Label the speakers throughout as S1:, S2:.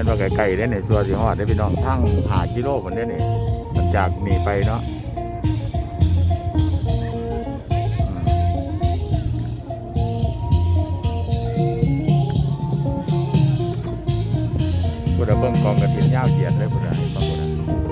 S1: ว่าไกลๆได้ในส่วนที่ฮอดได้พี่น้องทั้ง5 กิโลคนได้นี่มันจากนี่ไปเนาะพุทธเบิ่งกองกระถินยาวเหยียดเลยพุทธะบางพุทธะ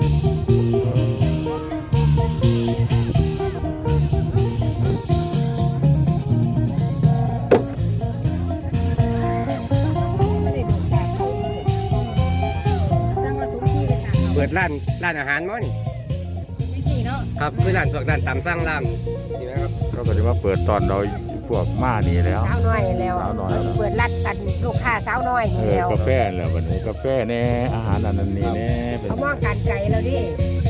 S2: เปิดร้านอาหารมั้งนี่ครับคือร้านพวกร้านตามสั่งร้านนี่ไหมครับ
S1: เขาก็จะมาเปิดตอนเราพวกมานี่แล้ว
S3: สาวน้อยแล้ว
S1: สาวน้อยแล้ว
S3: เปิดรัดกันลูกค้าสาวน้อยนี่แล้ว
S1: กาแฟแล้ววันนี้กาแฟแน่อาหารอันนั้นนี่แน่เป็น
S3: เขามองการไกลแล้วดิ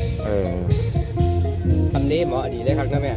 S2: ทำนี้เหมาะดีเลยครับนะแม่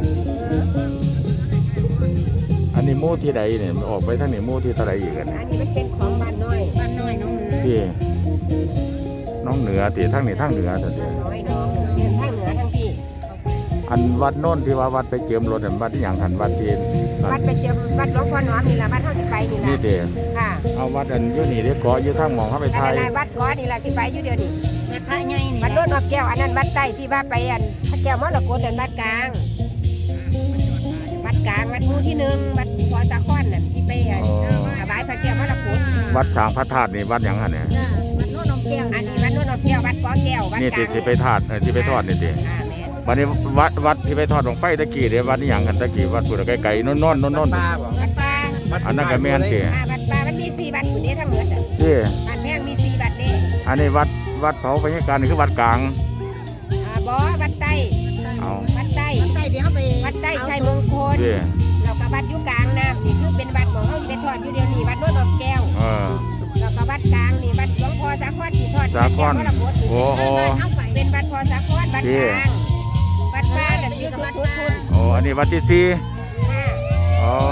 S1: อันนี้หมู่ที่ใดเนี่ยมันออกไปทางนี้หมู่ที่เท่าไหร่อีกกัน
S3: อันนี้มันเป็นของบ้านน้อยน้องเหนือ
S1: ที่น้องเหนือตีทางนี้ทางเหนือแต่เดียว
S3: น้อยน้องเรียนทางเหนือทางพี่
S1: อันวัดโน่นที่ว่าวัดไปเจิมรถอันวัดที่อย่างหันวัดที่
S3: วัดไปเจิมวัดหลวงพ่อหนอมนี่ละวัดเท่าสิไปนี่ละ
S1: นี่เดียว
S3: ค่ะ
S1: เอาวัดอันอยู่นี่ได้ก่ออยู่ทางหมองเข้าไปไท
S3: อัน
S1: ย
S3: นั้นวัดก้อนี่ละสิไปอยู่เดียวนี่
S4: วัดพระใหญ่นี่
S3: วัดโนนท์แก้วอันนั้นวัดใต้ที่ว่าไปอันพระแก้วมรกตอันวัดกลางวัดกลางวัดหมู่ที่1วัดพอตะค้อนนั่นที่ไปอันถวายพระแก้วมรกต
S1: วัดสางพระธาตุนี่วัดอย่างหันเนี่ย
S4: วัดโน้นน้องแก้ว
S3: อันนี้วัดโนนท์แก้ววัดก้อแก้ววัด
S1: นี่
S3: กลา
S1: ติ
S3: ง
S1: สิไปทอดที่ไปทอดนี่ติ
S3: แม่
S1: วันนี้วัดที่ไปทอดของไฟตะกี้เดี๋ยววัดนี่อย่างกันตะกี้วัดปุ่นไกลๆโน่นๆโน่น
S2: ป้าบอก
S3: วัดป่า
S1: อันนั้นก็แม่นติ
S3: วัดป่ามันมี4วัดอยู่นี่ทั้งหมดอ่ะ
S1: ที่
S3: บ้านแพงมี4วัดนี่
S1: อันนี้วัดเผาพญาการนี่คือวัดกลาง
S3: บ่วัดใต้
S1: เอา
S3: วัดใต้
S4: ใต้เดี๋ยวไป
S3: วัดใต้ชัยมงคล
S1: ที่
S3: เราก็วัดอยู่กลางน้ำนี่คือเป็นวัดของเขาไปทอดอยู่เดียวนี่วัดโนนท์แก้วเราก็วัดกลางนี่วัดหลวงพ่อสาครที่ทอด
S1: สาครโอ้โห
S3: เป็นวัดพ่อสาครวัดกลางวัดป่าแต่อยู่สุดทุน
S1: โอ้อันนี้วัดที่สี่อ๋อ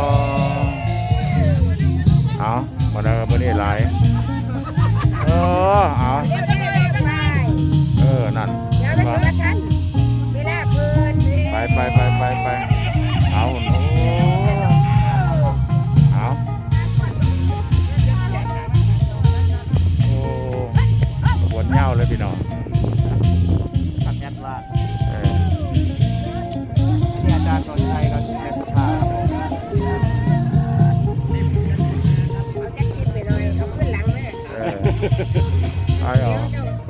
S1: เอาวันนี้วันนี้หลายเอา
S3: เดี๋ยวได้ไป
S1: นั่น
S3: เดี๋ยวไปถึงวัดท่านเวลาเพิ่น
S1: ไปเอาเอาโอ้ปวดเง่าเลยพี่น้อง
S2: ทำยันว่าที่อาจารย์ตอนชัยก็เป็นสุภาพครับผม
S3: เอาจักคิดไปหน่อยเอาขึ้นหลังเลย
S1: ไอ้เหรอ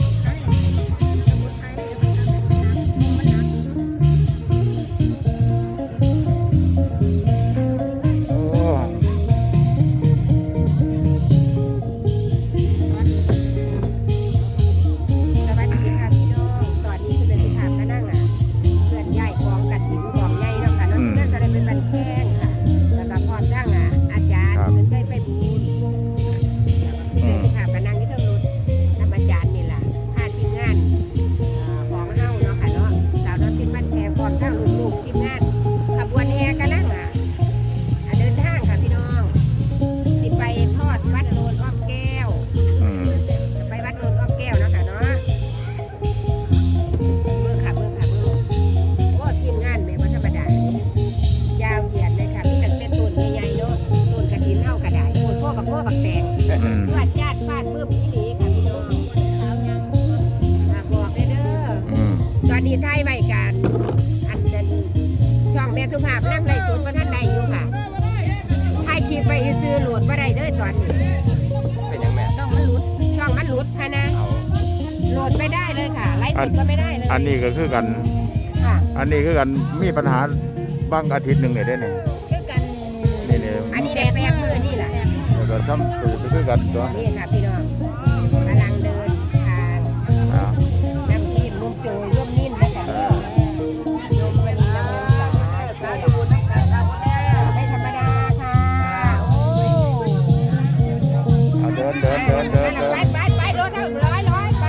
S3: สวัสดีค่ะพี่น้องตอนนี้คือเป็นสุภาพก็นั่งเพื่อนใหญ่กองกระถิ่นกองใหญ่เนาะค่ะเนาะเพื่อนจะได้เป็นบันแข้งค่ะแล้วก็พร้อมทั้งอาจารย์เพิ่นเคยไปบูญเป็นสุภาพก็นั่งอยู่เทิงรถนำอาจารย์นี่ล่ะพาทีมงานของเฮาเนาะค่ะเนาะสาวน้อยเป็นบ้านแพรพร้อมทั้งลูกๆทีมงานขบวนแห่กำลังเดินทางค่ะพี่น้องสิไปทอดวัดโนนอ้อมแก้วไปวัดโนนอ้อมแก้วเนาะค่ะเนาะเบิ่งค่ะโอ้ทีมงานแม่บ่ธรรมดายาวเหยียดเลยค่ะมีตั้งแต่ต้นใหญ่ๆเนาะต้นกระถินเฮากระไดโอ้พ่อบักแตงฟาดญาติฟาดปึ๊บอีหลีค่ะพี่น้องบอกได้เด้อตอนนี้ไทยไว้กันอันนั้นช่องแม่สุภาพนั่งไล่สดบ่ทันได้อยู่ค่ะถ่ายคลิปไว้ซื้อโหลดบ่ได้เด้อตอนนี้
S2: เป็นยังแม่
S3: ช่องมันหลุดค่ะนะ
S2: เอา
S3: โหลดไม่ได้เลยค่ะไลฟ์สดก็ไม่ได้เลย
S1: อันนี้ก็คือกัน
S3: ค่ะ
S1: อันนี้คือกันมีปัญหาบางอาทิตย์หนึ่งเนี่ยได้เนี่ย
S4: คือกัน
S1: นี่
S3: อันนี้ได้แปลกมือนี่แหละ
S1: แล้วก็ทำตัวคือกันตัว
S3: นี่ค่ะพี่น้องกำลังเดินทาง
S1: เอา
S3: นำทีมลุงโจร่วมนิ่มนะคะโยมวันนี้นำเงินสาไม่ธรรมดาค่ะโอ้
S1: เอาเดิน
S3: ไปรถเท่าร้อยไป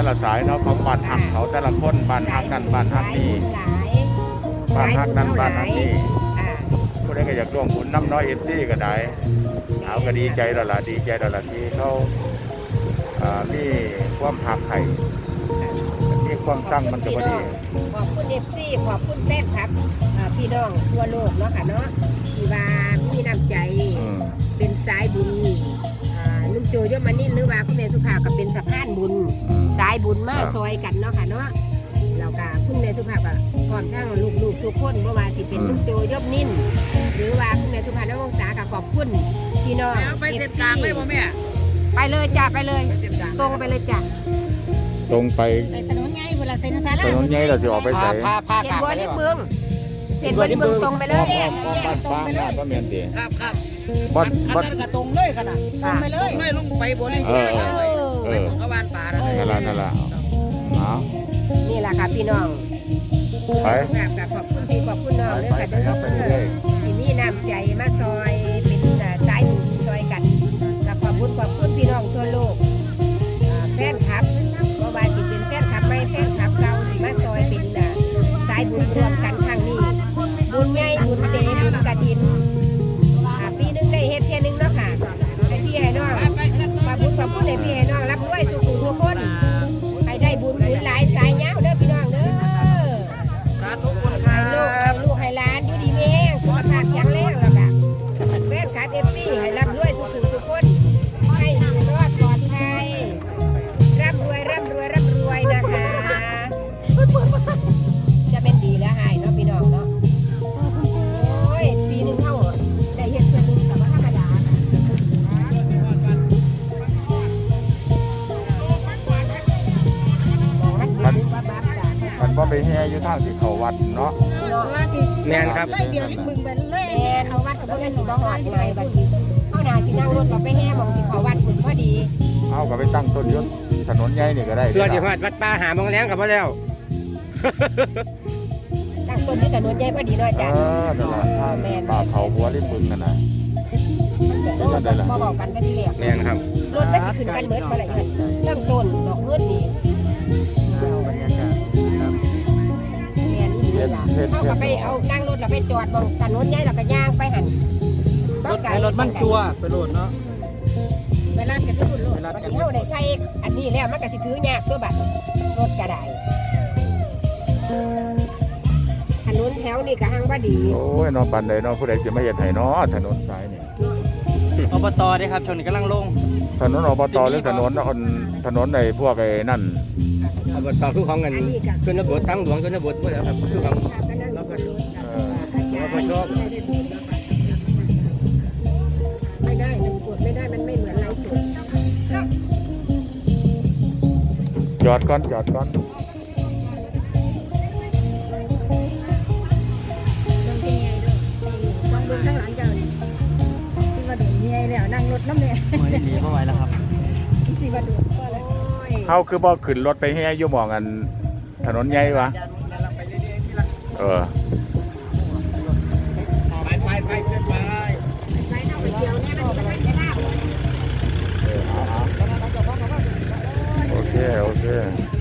S1: ละสายเนาะของบ้านฮักเขาแต่ละคนบ้านฮักนั่นบ้านฮักนี่
S3: หลาย
S1: บ้านฮักนั่นบ้านฮักนี่
S3: อ่า
S1: ผู้ใดก็อยากร่วมบุญน้ำน้อยFCก็ได้เอาก็ดีใจแล้วล่ะดีใจแล้วล่ะที่เขามีความหักไข่มีความสร้างมันก็บ่ดี
S3: ขอบคุณ FC ขอบคุณแฟนคลับพี่น้องทั่วโลกเนาะค่ะเนาะที่ว่ามีน้ำใจ
S1: อืม
S3: เป็นสายบุญนุ่มโจยมานินหรือว่าคุณแม่สุภาพก็เป็นสะพานบุญ
S1: อืม
S3: สายบุญมาซอยกันเนาะค่ะเนาะแล้วก็คุณแม่สุภาพก็พร้อมทั้งลูกๆทุกคนบ่ว่าสิเป็นนุ่มโจยบนินหรือว่าคุณแม่สุภาพน้องวงศาก็ขอบคุณพี่น้อง
S5: ไปเส้นกลางเลยบ่แม่
S3: ไปเลยจ้ะไปเลย
S5: ไปเส้นกลาง
S3: ตรงไปเลยจ้ะ
S1: ตรงไป
S4: ไปถนนใหญ่เวลาเซ็นซา
S1: ถนนใหญ่เราสิออกไปไส
S2: พา
S3: เสีย
S2: กลาง
S3: บัว
S2: ไปเล
S3: นิ
S2: ย
S3: ด
S2: บ่
S3: เมืองเสียบัวนิดเมืองตรงไปเลย
S1: บ้านฟ้างน่าบ่แม่นติ
S5: ครับครับ
S1: บ้าน
S5: อัน
S1: บ้าน
S5: นั้นก็ตรงเลยขนาด
S4: ตรงไปเลย
S5: ไม่ลงไปบนเลย
S1: เออ เอ
S5: ไป
S1: อ
S5: ของกบ้านป่านั่นเลย
S1: นั่นล่ะเอา
S3: นี่แหละค่ะพี่น้อง
S1: ไป
S3: กับขอบคุณพี่ขอบคุณน้องเลย
S1: ไป
S3: ค่ะ
S1: ไปครับไปเรื่อย
S3: ที่นี่น้ำใจมาซอยเป็นสายบุญซอยกันกับขอบคุณพี่น้องทั่วโลกแฟนคลับเพราะว่าสิเป็นแฟนคลับไม่แฟนคลับเก่าที่มาซอยเป็นสายบุญรวมกันครั้งนี้ บุญใหญ่บุญเตบุญกระถินปีนึงได้เฮ็ดเที่ยนึงเนาะค่ะให้พี่ให้น้องขอบคุณให้พี่ให้น้องรับด้วยสุขุทุกคนให้ได้บุญหลายสายยาวเด้อพี่น้องเด้อ
S5: สาธุคุณค
S3: ให้
S5: รั
S3: ลูก
S5: บ
S3: ให้หลานอยู่ดีมีแรงสุขภาพแข็งแรงแล้วก็แฟนคลับFCให้รับด้วยทุกคนให้อยู่รอดปลอดภัยร่ำรวยนะคะ จะเป็นดีแล้วให้เนาะพี่น้องเนาะโอ้ยปีหนึงเท่าได้เฮ็ดเพื่อนนึงกับว่าธรรมดามันดีว่าบ้าจ้ะ
S1: มันบ่ไปแห่อยู่ทางที่เขาวัดเนาะ
S4: ว่าสิ
S2: แม่นครับ
S4: ไล่เดียวที่บึงไปเลย
S3: แม่เขาวัดกับพวกนั้นสิบ่หอดไงบัดนี้เฮาน่าสินั่งรถเราไปแห่หมองสิเขาวัดพุ่นพอดี
S1: เอาก็ไปตั้งต้นยศถนนใหญ่นี่ก็ได้
S2: ส่วนที่ฮอดวัดป่าหาบางแรงกับบ่แล้ว
S3: ตั้งต้นที่ถนนใหญ่พอดีเนาะ
S1: เอ
S3: จ้ะ
S1: อนั่นล่ะทางป่าเขาบัวริมบึงนั่นน่ะ
S3: โอ้จะมาบอกกันกันทีแรก
S2: แม่นครับ
S3: รถมันสิขึ้นกันเบิดมาเลยเริ่มต้นดอกเงินนี่
S1: บรรยากาศครับ
S3: แม่นี่นี่ล่ะเขาก็ไปเอานั่งรถแล้วไปจอดบองถนนใหญ่แล้วก็ย่างไปหัน
S5: รถมันจัวไปโหลดเนาะ
S3: เวลาจะขึ้นรถบัดนี้เฮาได้ใช้อันนี้แล้วมันก็สิถือยากตัวบัดรถก็ได้ถนนแถวนี่ก็หังบ่ดี
S1: โอ้ยนอนปันใดเนาะผู้ใดสิมาเฮ็ดให้เนาะถนนสายนี่
S5: อบตได้ครับชนกำลังลง
S1: ถนนอบตหรือถนนถนนในพวกไอ้นั่น
S2: อบตคือของกัน
S3: อันนี้ก็
S2: ชนบททั้งหลวงชนบทบ่แล้วครับคือของ
S3: ก็นั่งรถไม่ได้มันกดไม่ได้มันไม่เหมือนไลฟ์สด
S1: จอดก่อนจอดก่อน
S4: ลองดูข้างหลังเจ้านี่สิว่าโดนเมียแล้วนั่งรถน้ำเนี่ย
S5: ไม่ดีเพราะไหวแล้วครับ
S4: สิว่าโดนก็แล้ว
S1: เฮาคือบ่ขึ้นรถไปแห่อยู่หม่องอันถนนใหญ่วะเออ
S5: ไปเกินไป
S3: ไปเข้าไปเที่ยวเนี่ยมันจะได้
S1: โอเคโอเค